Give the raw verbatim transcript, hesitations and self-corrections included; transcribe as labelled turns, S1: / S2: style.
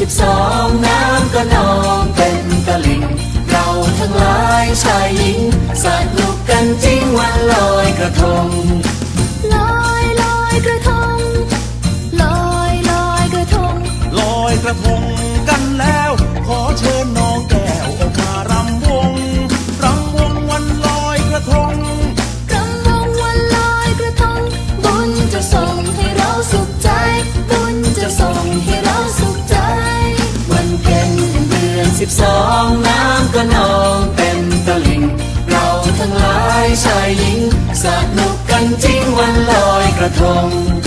S1: สิบสองน้ำก็นองเต็มตลิ่งเราทั้งหลายชายหญิงสนุกกันจริงวันลอยกระทง
S2: ลอยลอยกระทงลอยลอยกระทง
S3: ลอยกระทงกันแล้วขอเชิญน้องแก้วออกมารำวงรำวงวันลอยกระทง
S2: รำวงวันลอยกระทงบุญจะส่งให้เราสุขใจบุญจะส่งให้เราสุขใจ
S1: วันเพ็ญเดือนสิบสองน้ำก็นองเต็มตลิ่งเราทั้งหลายชายหญิงสนุกกันจริงวันลอยกระทง